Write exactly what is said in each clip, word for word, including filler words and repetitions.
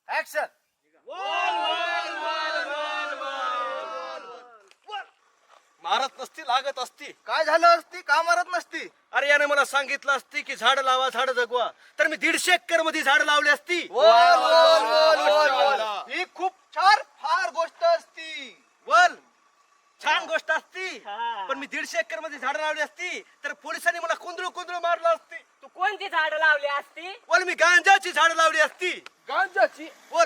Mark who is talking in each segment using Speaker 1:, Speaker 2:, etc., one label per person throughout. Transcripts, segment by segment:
Speaker 1: Action.
Speaker 2: मारत नसती लागत असती.
Speaker 1: काय झालं असती? का मारत नसती?
Speaker 2: अरे याने मला सांगितलं असती की झाड लावा झाड जगवा, तर मी दीडशे एकर मध्ये झाड लावली असती.
Speaker 1: बोल बोल बोल बोल बोल. ही खूप छान फार गोष्ट असती.
Speaker 2: बोल छान गोष्ट असती, पण मी दीडशे एकर मध्ये झाड लावली असती तर पोलिसांनी मला कुंदरू कुंदरू मारलं असती.
Speaker 3: तू कोणती झाड लावली असती?
Speaker 2: बोल मी गांजाची झाड लावली असती.
Speaker 1: गांजाची?
Speaker 2: बोल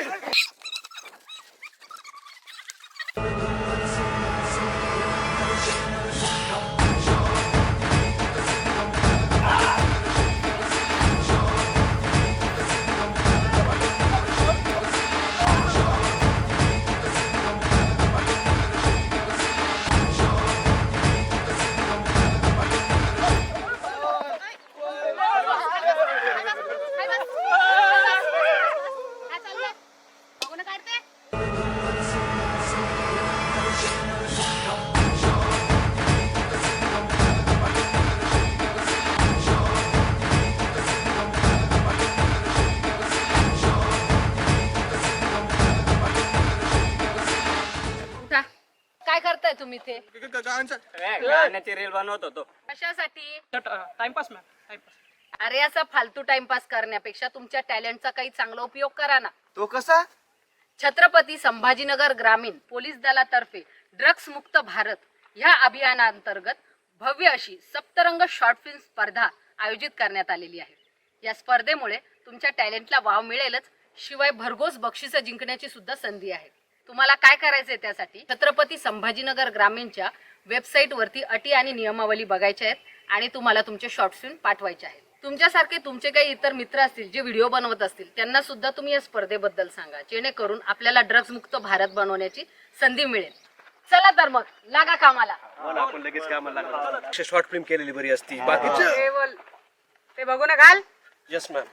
Speaker 4: काय करताय तुम्ही ते?
Speaker 3: गाण्याची रील बनवत होतो.
Speaker 4: कशासाठी?
Speaker 3: Timepass ma'am, timepass.
Speaker 4: अरे असा फालतू टाइमपास करण्यापेक्षा तुमच्या टॅलेंटचा काही चांगला उपयोग करा ना.
Speaker 1: तो कसा?
Speaker 4: छत्रपती संभाजीनगर ग्रामीण पोलीस दलातर्फे ड्रग्स मुक्त भारत ह्या अभियानांतर्गत भव्य अशी सप्तरंग शॉर्ट फिल्म स्पर्धा आयोजित करण्यात आलेली आहे. या स्पर्धेमुळे तुमच्या टॅलेंटला वाव मिळेलच, शिवाय भरघोस बक्षिसं जिंकण्याची सुद्धा संधी आहे. तुम्हाला काय करायचंय त्यासाठी छत्रपती संभाजीनगर ग्रामीणच्या वेबसाईट वरती अटी आणि नियमावली बघायच्या आहेत आणि तुम्हाला तुमचे शॉर्ट फिल्म पाठवायचे आहेत. तुमच्यासारखे तुमचे काही इतर मित्र असतील जे व्हिडिओ बनवत असतील त्यांना सुद्धा तुम्ही या स्पर्धेबद्दल सांगा, जेणेकरून आपल्याला ड्रग्ज मुक्त भारत बनवण्याची संधी मिळेल. चला तर मग लागा कामाला.
Speaker 2: आपण लगेच कामाला लागलो. शॉर्ट फिल्म केलेली बरी असती. बाकीचं
Speaker 4: ते बोल, ते बघू ना घाल.
Speaker 2: Yes ma'am.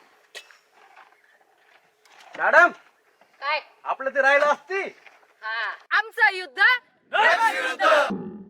Speaker 2: मॅडम
Speaker 4: काय?
Speaker 2: आपलं ते राहिलं असती.
Speaker 4: हा, आमचं युद्ध